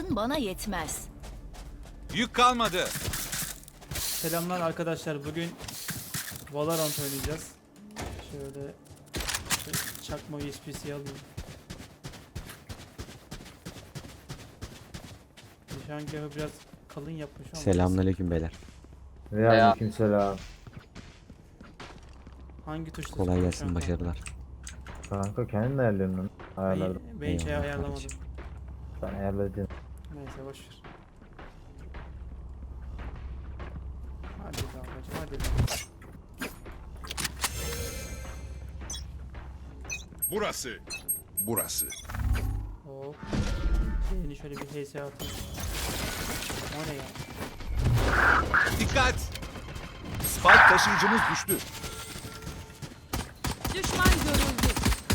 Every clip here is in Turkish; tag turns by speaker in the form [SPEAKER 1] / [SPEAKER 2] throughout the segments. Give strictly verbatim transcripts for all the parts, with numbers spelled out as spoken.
[SPEAKER 1] Gücün bana yetmez.
[SPEAKER 2] Yük kalmadı.
[SPEAKER 3] Selamlar arkadaşlar. Bugün Valorant oynayacağız. Şöyle şu çakma U S B'si alayım. Nişangahı biraz kalın yapmış ama.
[SPEAKER 4] Selamünaleyküm beyler.
[SPEAKER 5] Ve aleykümselam.
[SPEAKER 3] Hangi tuşla
[SPEAKER 4] Kolay
[SPEAKER 3] sıkıyorum
[SPEAKER 4] gelsin,
[SPEAKER 3] şu an?
[SPEAKER 4] başarılar.
[SPEAKER 5] Kanka kendin ayarlıyorsun onu. Ayarladım.
[SPEAKER 3] Ben, ben hiç
[SPEAKER 4] Eyvallah
[SPEAKER 3] ayarlamadım.
[SPEAKER 4] kardeşim.
[SPEAKER 5] Ben ayarladım.
[SPEAKER 3] Neyse boşver. Hadi babacım hadi babacım.
[SPEAKER 2] Burası. Burası.
[SPEAKER 3] Hop. Şeyini şöyle bir H S atayım. O ne ya?
[SPEAKER 2] Dikkat. Spike taşıyıcımız düştü.
[SPEAKER 1] Düşman görüldü.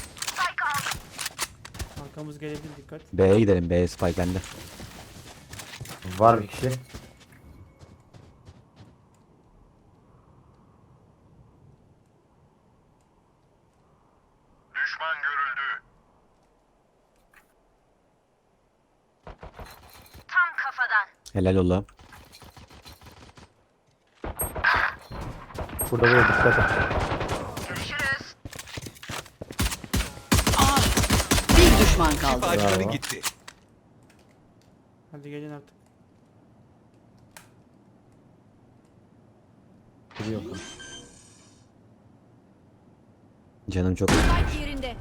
[SPEAKER 3] Arkamız gelebilir, dikkat.
[SPEAKER 4] B'ye gidelim. B spy bende.
[SPEAKER 5] Var bir kişi.
[SPEAKER 6] Düşman görüldü. Tam kafadan.
[SPEAKER 4] Helal ola.
[SPEAKER 5] Burada böyle dikkat et.
[SPEAKER 6] Görüşürüz.
[SPEAKER 7] Bir düşman kaldı.
[SPEAKER 2] Şifacıları
[SPEAKER 5] Bravo.
[SPEAKER 2] gitti.
[SPEAKER 3] Hadi gelin artık.
[SPEAKER 5] Yok.
[SPEAKER 4] Canım çok...
[SPEAKER 1] Spike yerinde.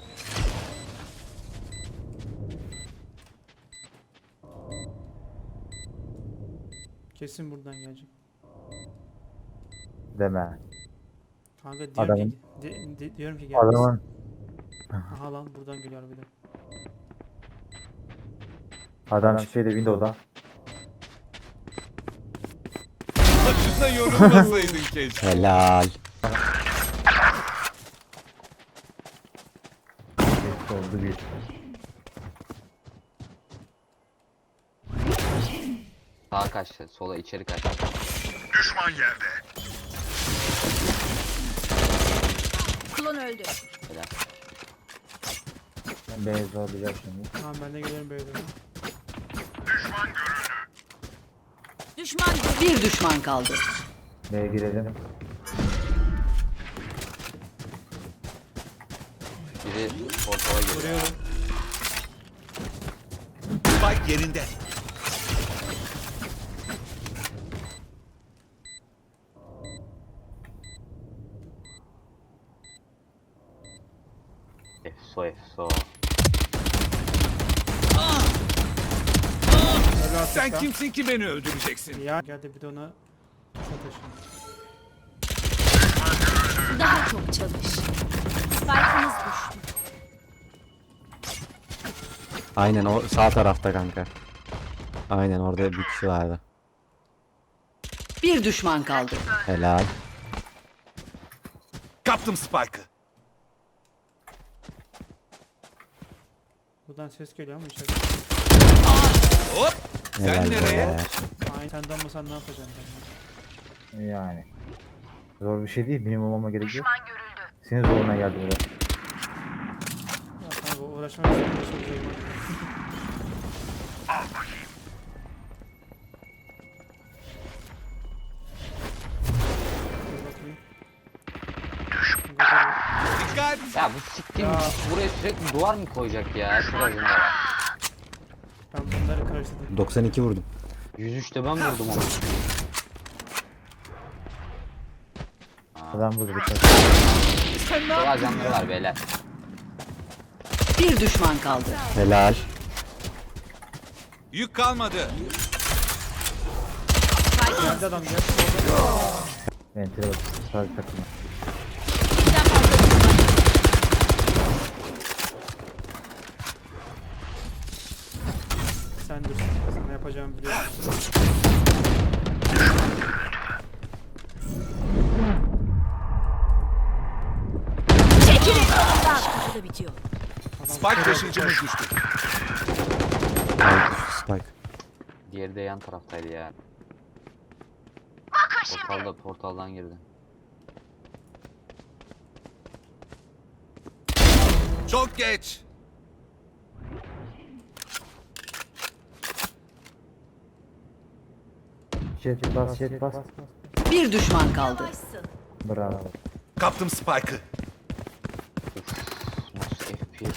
[SPEAKER 3] Kesin buradan gelecek.
[SPEAKER 5] Deme.
[SPEAKER 3] Kanka diyorum
[SPEAKER 5] Adamın-
[SPEAKER 3] ki, di- di- diyorum ki gelmesin.
[SPEAKER 5] Adamın
[SPEAKER 3] Aha lan buradan geliyor bir de.
[SPEAKER 5] adam şeyde Windows'da.
[SPEAKER 2] Başına yorulmasaydın keşke.
[SPEAKER 4] Helal.
[SPEAKER 5] Geçti oldu bir.
[SPEAKER 8] Sağa kaçtı, sola içeri kaçtı.
[SPEAKER 6] Düşman yerde.
[SPEAKER 1] Klon öldü.
[SPEAKER 8] Helal.
[SPEAKER 5] Ben beni zorlayacak şimdi.
[SPEAKER 3] Tamam ben de geliyorum böyle.
[SPEAKER 6] Düşman görüldü.
[SPEAKER 1] Düşman görüldü.
[SPEAKER 7] Bir düşman kaldı.
[SPEAKER 5] B'ye girelim.
[SPEAKER 8] Biri portala giriyor.
[SPEAKER 3] Vuruyorum.
[SPEAKER 2] Spike yerinde.
[SPEAKER 8] Efso efso.
[SPEAKER 3] Helal
[SPEAKER 2] Sen
[SPEAKER 3] Sıka.
[SPEAKER 2] kimsin ki beni öldüreceksin?
[SPEAKER 3] Ya geldi bir de ona tuşa taşın.
[SPEAKER 1] Daha çok çalış. Spike'ımız düştü.
[SPEAKER 4] Aynen o sağ tarafta kanka. Aynen orada bir kişi vardı.
[SPEAKER 7] Bir düşman kaldı.
[SPEAKER 4] Helal.
[SPEAKER 2] Kaptım Spike'ı.
[SPEAKER 3] Buradan ses geliyor ama içeride.
[SPEAKER 2] Hop. Sen
[SPEAKER 4] Helal
[SPEAKER 2] nereye?
[SPEAKER 4] beyler.
[SPEAKER 3] Aynı senden olmasan ne yapacaksın ben?
[SPEAKER 5] Yani. Zor bir şey değil. Benim olmama gerek yok.
[SPEAKER 6] Düşman görüldü.
[SPEAKER 5] Senin zoruna geldi biraz.
[SPEAKER 3] Ya kanka uğraşmak için uğraşacağım. Dur bakayım. Gidelim.
[SPEAKER 2] Dikkat.
[SPEAKER 8] Ya bu siktim
[SPEAKER 3] Ya.
[SPEAKER 8] buraya sürekli duvar mı koyacak ya? Şuracında.
[SPEAKER 3] Ben bunları karıştırdım.
[SPEAKER 4] doksan iki vurdum.
[SPEAKER 8] yüz üçte ben vurdum onu.
[SPEAKER 5] Adam burada dikkat.
[SPEAKER 8] Çok ajanları var beyler.
[SPEAKER 7] Bir düşman kaldı.
[SPEAKER 4] Helal.
[SPEAKER 2] Yük kalmadı.
[SPEAKER 3] Geldi adam gel.
[SPEAKER 5] Ventile bak. Sadece takılma.
[SPEAKER 1] Birden fazla düşman.
[SPEAKER 3] Sen dur. Sana yapacağımı biliyorum.
[SPEAKER 1] Çekilin yolumdan. Burada bitiyor.
[SPEAKER 2] Spike taşıyıcımız düştü.
[SPEAKER 4] Altı spike.
[SPEAKER 8] Diğeri de yan taraftaydı ya. Portalda portaldan girdi.
[SPEAKER 2] Çok geç.
[SPEAKER 5] Jet bas jet bas.
[SPEAKER 7] Bir düşman kaldı.
[SPEAKER 1] Yavaşsın.
[SPEAKER 5] Bravo.
[SPEAKER 2] Kaptım Spike'ı.
[SPEAKER 8] Nasıl F P S?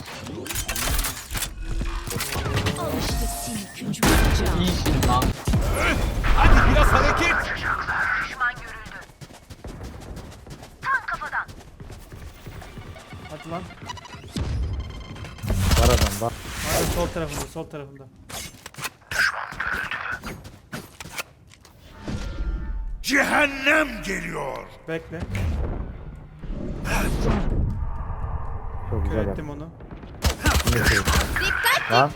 [SPEAKER 1] Al işte seni küçük bıçağım.
[SPEAKER 8] İyisin lan.
[SPEAKER 2] Hadi biraz hareket.
[SPEAKER 6] Düşman görüldü. Tam kafadan.
[SPEAKER 3] Hadi lan.
[SPEAKER 5] Var adam bak.
[SPEAKER 3] Abi sol tarafında, sol tarafında.
[SPEAKER 6] Cehennem geliyor.
[SPEAKER 3] Bekle.
[SPEAKER 5] Çok güzel
[SPEAKER 3] Kör
[SPEAKER 5] yaptı.
[SPEAKER 3] ettim onu.
[SPEAKER 5] Lan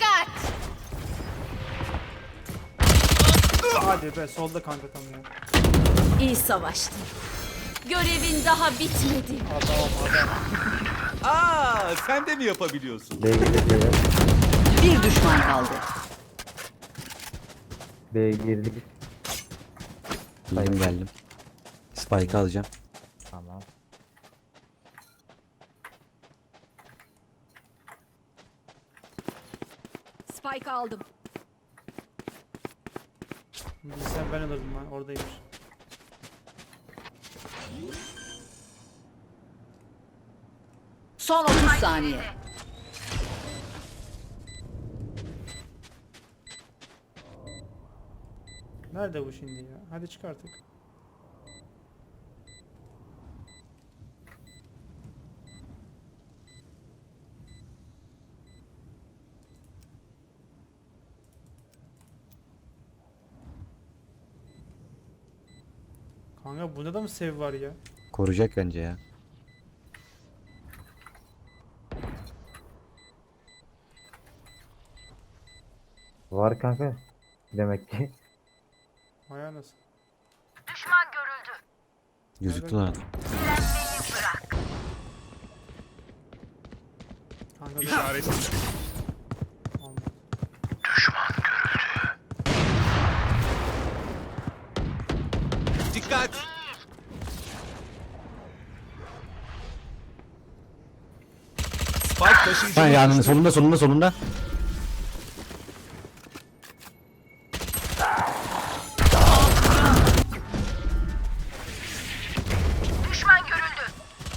[SPEAKER 3] Hadi be, solda kanka tam ya.
[SPEAKER 1] İyi savaştın. Görevin daha bitmedi.
[SPEAKER 3] Adam adam.
[SPEAKER 2] Aa, sen de mi yapabiliyorsun?
[SPEAKER 5] B'ye girdik.
[SPEAKER 7] Bir düşman kaldı.
[SPEAKER 5] B'ye girdik.
[SPEAKER 4] Geldim geldim. Spike alacağım.
[SPEAKER 5] Tamam.
[SPEAKER 1] Spike aldım.
[SPEAKER 3] Bilsem ben alırdım lan, oradaymış.
[SPEAKER 7] Son otuz saniye.
[SPEAKER 3] Nerede bu şimdi ya? Hadi çık artık. Kanka bunda da mı sev var ya?
[SPEAKER 4] Koruyacak bence ya.
[SPEAKER 5] Var kanka. Demek ki.
[SPEAKER 3] Vay nasıl?
[SPEAKER 6] Düşman görüldü.
[SPEAKER 4] Gözüktü lan.
[SPEAKER 6] Direnmeyi bırak.
[SPEAKER 3] Kanka da
[SPEAKER 2] İşaret.
[SPEAKER 3] olmadı.
[SPEAKER 2] Dikkat. Spike
[SPEAKER 4] Ha
[SPEAKER 2] taşıyıcımız
[SPEAKER 4] yanında
[SPEAKER 2] düştü.
[SPEAKER 4] solunda solunda solunda.
[SPEAKER 6] Düşman görüldü.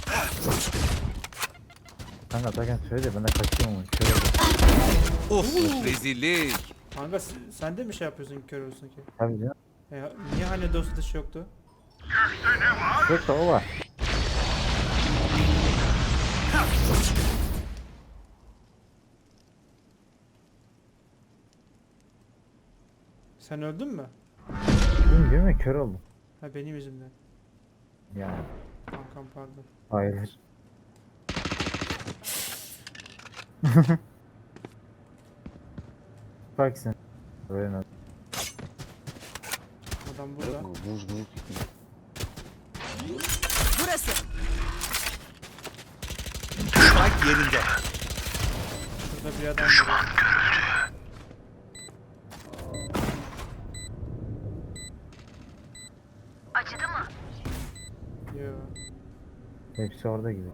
[SPEAKER 5] Kanka zaten söyle de ben de kaçıyorum onu. Şöyle
[SPEAKER 2] Of, rezillik.
[SPEAKER 3] Kanka s- sen de mi şey yapıyorsun ki kör olsun ki?
[SPEAKER 5] tabii canım.
[SPEAKER 3] E, niye hani dost dışı yoktu?
[SPEAKER 5] Yok da o var.
[SPEAKER 3] Sen öldün mü?
[SPEAKER 5] Bilmiyorum ya kör oldum.
[SPEAKER 3] Ha benim yüzümden.
[SPEAKER 5] Yani.
[SPEAKER 3] Kankam pardon.
[SPEAKER 5] Hayır. Bak sen. Böyle nasıl?
[SPEAKER 3] Adam burada.
[SPEAKER 8] Vuz vuz.
[SPEAKER 1] Burası.
[SPEAKER 2] Spike yerinde.
[SPEAKER 3] Şurada bir adam var.
[SPEAKER 6] Acıdı mı?
[SPEAKER 3] Yo.
[SPEAKER 5] Hepsi orada gibi.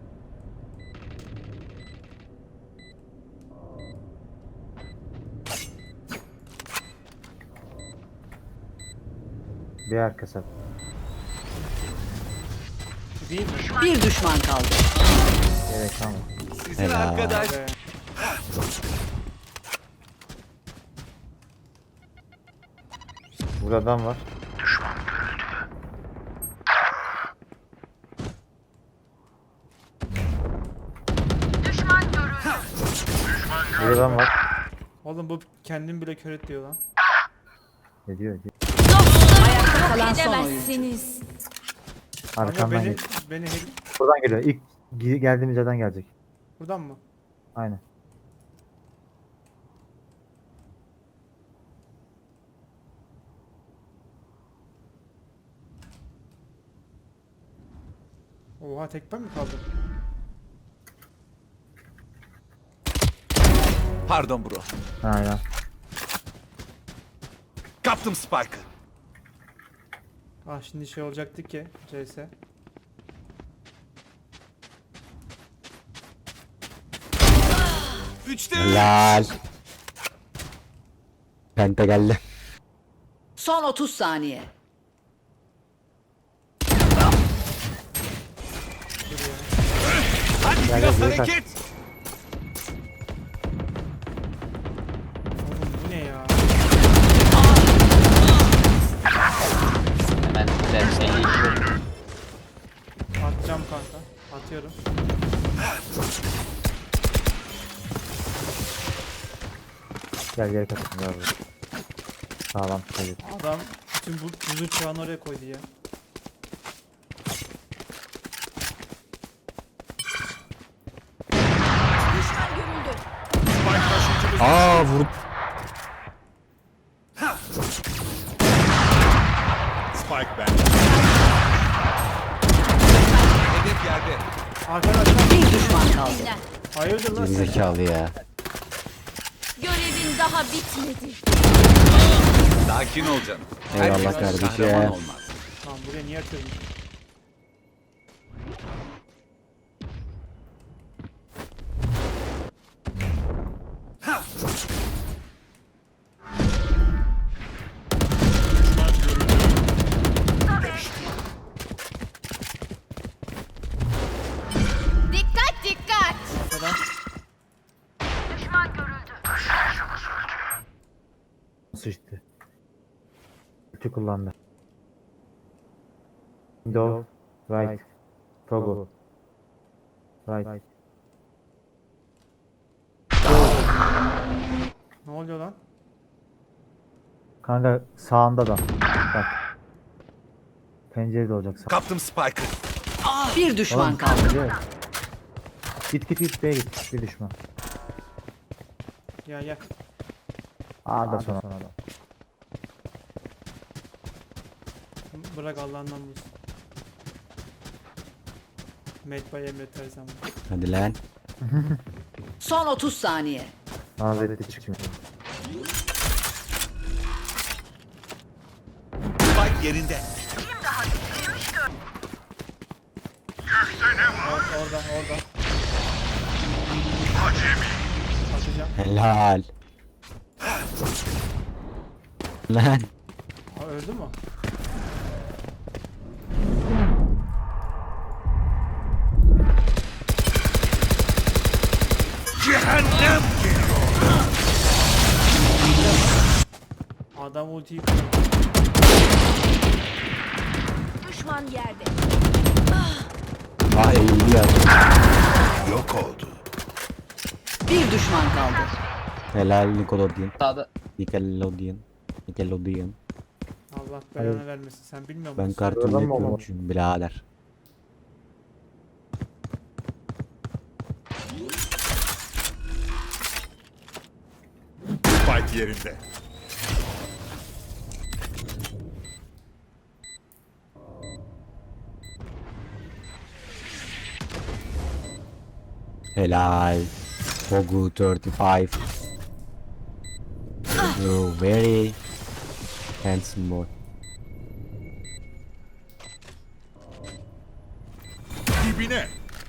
[SPEAKER 5] Bir arka sap.
[SPEAKER 3] Değil mi?
[SPEAKER 7] Bir düşman kaldı.
[SPEAKER 5] Evet tamam.
[SPEAKER 2] Sizin
[SPEAKER 4] Helal.
[SPEAKER 2] arkadaş.
[SPEAKER 3] Be.
[SPEAKER 5] Burada adam var.
[SPEAKER 6] Düşman görüldü.
[SPEAKER 5] Burada adam var.
[SPEAKER 3] Oğlum bu kendini bile kör et diyor lan.
[SPEAKER 5] Ne diyor? diyor.
[SPEAKER 7] Ayakta kalan son oyuncu.
[SPEAKER 1] Edemezsiniz.
[SPEAKER 3] Kanka
[SPEAKER 5] Arkamdan
[SPEAKER 3] beni,
[SPEAKER 5] geliyor.
[SPEAKER 3] beni hack...
[SPEAKER 5] Buradan geliyor. İlk gi- geldiğimiz yerden gelecek.
[SPEAKER 3] Buradan mı?
[SPEAKER 5] Aynen.
[SPEAKER 3] Oha tek ben mi kaldım?
[SPEAKER 2] Pardon bro.
[SPEAKER 5] Aynen.
[SPEAKER 2] Kaptım Spike'ı.
[SPEAKER 3] Ah şimdi şey olacaktı ki C S.
[SPEAKER 2] Üçte üç.
[SPEAKER 4] Helal. Penta geldi.
[SPEAKER 7] Son otuz saniye.
[SPEAKER 2] Hadi
[SPEAKER 5] Gel,
[SPEAKER 2] biraz
[SPEAKER 5] gel, gel.
[SPEAKER 2] hareket.
[SPEAKER 3] Oğlum bu ne ya?
[SPEAKER 8] Hemen de elli iki.
[SPEAKER 3] Atacağım kanka. Atıyorum.
[SPEAKER 5] Gel gel kaçın gel buraya. Sağlam tutuyor.
[SPEAKER 3] Adam bütün bu buzu çağını oraya koydu ya.
[SPEAKER 1] Düşman görüldü.
[SPEAKER 4] Aa vur.
[SPEAKER 2] Spike bende. Hedef yerde.
[SPEAKER 3] Arkadaşlar
[SPEAKER 7] Bir düşman kaldı.
[SPEAKER 1] Dinlen.
[SPEAKER 3] hayırdır lan sen?
[SPEAKER 4] Gerizekalı ya.
[SPEAKER 1] Görevin daha bitmedi.
[SPEAKER 2] Sakin ol canım.
[SPEAKER 4] Eyvallah
[SPEAKER 2] Herkes
[SPEAKER 4] kardeşim.
[SPEAKER 2] kahraman olmaz.
[SPEAKER 3] Tamam buraya niye atıyorsun?
[SPEAKER 1] Dikkat dikkat.
[SPEAKER 3] Arkadan.
[SPEAKER 6] Düşman görüldü.
[SPEAKER 5] Sıçtı. Ulti kullandı. Window. Right. Toggle. Right.
[SPEAKER 3] Ne oluyor lan?
[SPEAKER 5] Kanka sağında da. Bak. Pencerede olacak sağ.
[SPEAKER 2] Kaptım Spike'ı.
[SPEAKER 7] Bir düşman
[SPEAKER 5] Oğlum,
[SPEAKER 7] kaldı.
[SPEAKER 5] pencere. Git git git B'ye git. Bir düşman.
[SPEAKER 3] Ya ya.
[SPEAKER 5] A'da sonra.
[SPEAKER 3] Bırak Allah'ından bulsun. Medbay emret her zaman.
[SPEAKER 4] Hadi lan.
[SPEAKER 7] Son otuz saniye.
[SPEAKER 5] Hazreti çıkmıyor.
[SPEAKER 2] Spike yerinde.
[SPEAKER 3] Or orada orada. Atacağım.
[SPEAKER 4] Helal. Lan.
[SPEAKER 3] Ha, öldü mü?
[SPEAKER 2] Cehennem.
[SPEAKER 3] Adam ultiyi kullandı.
[SPEAKER 1] Düşman yerde.
[SPEAKER 4] Ah eğildi ya.
[SPEAKER 2] Yok oldu.
[SPEAKER 7] Bir düşman kaldı.
[SPEAKER 4] Helal Nickelodeon.
[SPEAKER 8] Sağda.
[SPEAKER 4] Nickelodeon. Nickelodeon.
[SPEAKER 3] Allah belanı vermesin. Sen bilmiyor musun?
[SPEAKER 4] Ben Cartoon
[SPEAKER 5] Oradan mı
[SPEAKER 4] Network
[SPEAKER 5] olmadı?
[SPEAKER 4] çünkü birader.
[SPEAKER 2] Spike yerinde.
[SPEAKER 4] Helal. Pogu thirty-five. You're very handsome boy.
[SPEAKER 2] Dibine.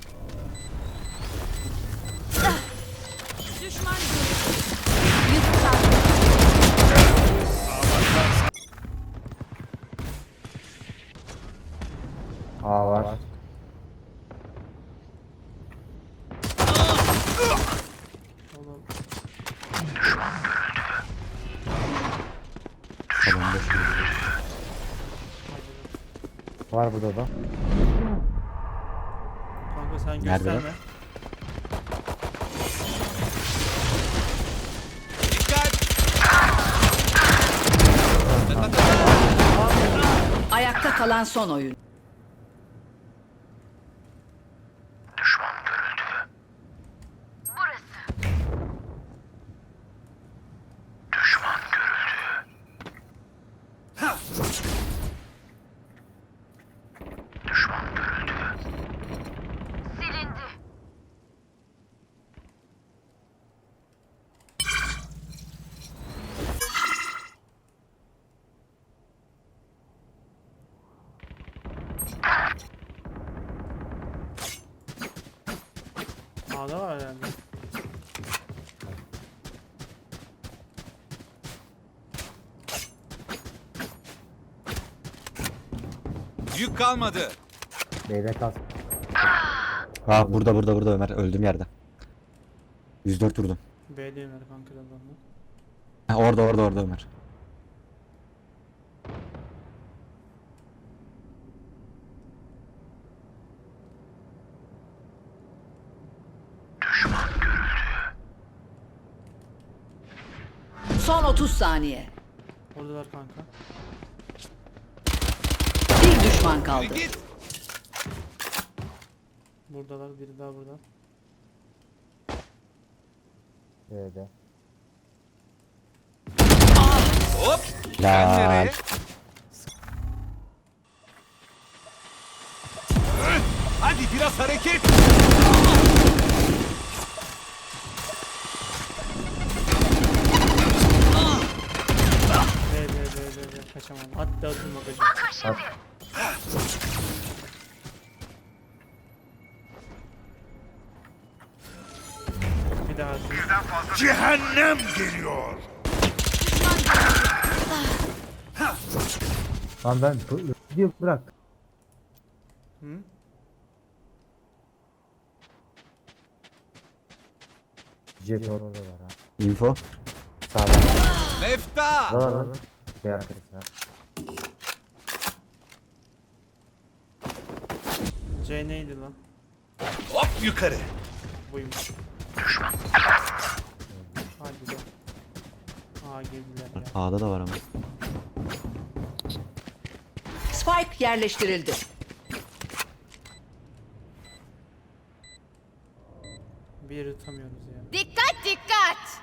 [SPEAKER 1] Düşman görüldü. Yüz saniye.
[SPEAKER 5] A var.
[SPEAKER 3] Oğlum,
[SPEAKER 4] Tamam boş ver.
[SPEAKER 5] Var burada da.
[SPEAKER 3] kanka sen
[SPEAKER 4] Nerede
[SPEAKER 3] gösterme.
[SPEAKER 7] Ayakta kalan son oyun.
[SPEAKER 6] Silindi.
[SPEAKER 3] A'da var herhalde.
[SPEAKER 2] Yük kalmadı.
[SPEAKER 5] Beyler kas.
[SPEAKER 4] Ha burada burada burada Ömer öldüğüm yerde. yüz dört vurdum.
[SPEAKER 3] B'de Ömer kanka da adamlar.
[SPEAKER 4] Ha, orada orada orada Ömer.
[SPEAKER 7] Son otuz saniye.
[SPEAKER 3] Oradalar kanka.
[SPEAKER 7] Bir düşman kaldı.
[SPEAKER 2] Git.
[SPEAKER 3] Buradalar, biri daha burada.
[SPEAKER 5] B'de.
[SPEAKER 2] Hop. Sen
[SPEAKER 4] Lan.
[SPEAKER 2] nereye? Hadi biraz hareket.
[SPEAKER 3] B B B B B kaçamadım. Hatta atılma kaçım. Bir daha atayım.
[SPEAKER 2] Cehennem geliyor.
[SPEAKER 5] Lan ben bu video bırak.
[SPEAKER 3] Hı?
[SPEAKER 5] Jet orada var ha.
[SPEAKER 4] Info.
[SPEAKER 5] Sağda.
[SPEAKER 2] Mefta.
[SPEAKER 5] Var lan. Bir arkadaşlar.
[SPEAKER 3] C neydi lan?
[SPEAKER 2] Hop yukarı.
[SPEAKER 3] Buymuş. Hadi be. Aa girdiler ya.
[SPEAKER 4] A'da da var ama.
[SPEAKER 7] Spike yerleştirildi.
[SPEAKER 3] Bir yeri tutamıyoruz ya.
[SPEAKER 1] Dikkat dikkat.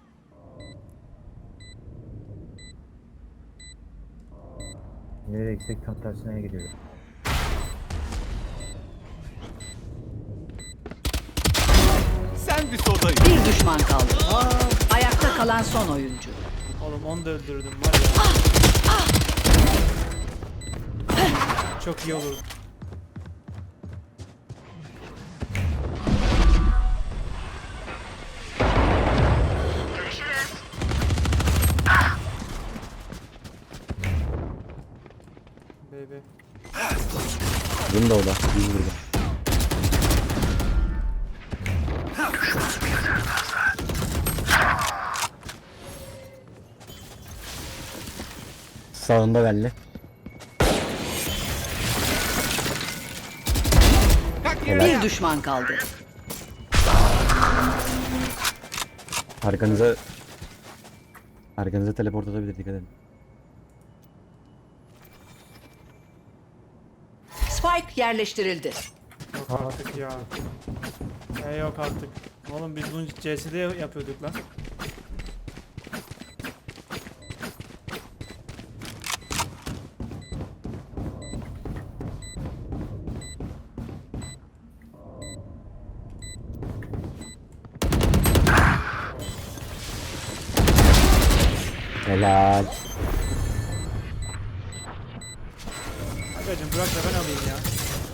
[SPEAKER 5] Nereye gitsek tam tersine gidiyor.
[SPEAKER 2] Sen bir sodayı.
[SPEAKER 7] Bir düşman kaldı. Ayakta kalan son oyuncu.
[SPEAKER 3] Oğlum onu da öldürdüm var ya. Çok iyi olur. B B.
[SPEAKER 4] Window'da. yüz vurdum. Sağında belli.
[SPEAKER 2] Kalk yere.
[SPEAKER 7] Bir düşman kaldı.
[SPEAKER 4] Arkanıza Arkanıza teleport atabilir, dikkat edin.
[SPEAKER 7] Spike yerleştirildi.
[SPEAKER 3] Yok artık ya. E yok artık. Oğlum biz bunu C S'de yapıyorduk lan.
[SPEAKER 4] Helal.
[SPEAKER 3] Agacım bırak da ben alayım ya.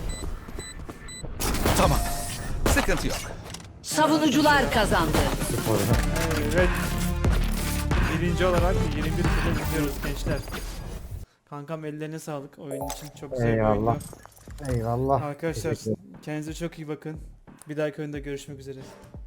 [SPEAKER 2] Tamam. Sıkıntı yok.
[SPEAKER 7] Savunucular kazandı.
[SPEAKER 3] Evet. Birinci olarak yirmi bir turda gidiyoruz gençler. Kankam ellerine sağlık oyun için çok güzel bir
[SPEAKER 5] Eyvallah.
[SPEAKER 3] oyundu.
[SPEAKER 5] Eyvallah.
[SPEAKER 3] Arkadaşlar
[SPEAKER 5] Teşekkür ederim.
[SPEAKER 3] kendinize çok iyi bakın. Bir dahaki oyunda görüşmek üzere.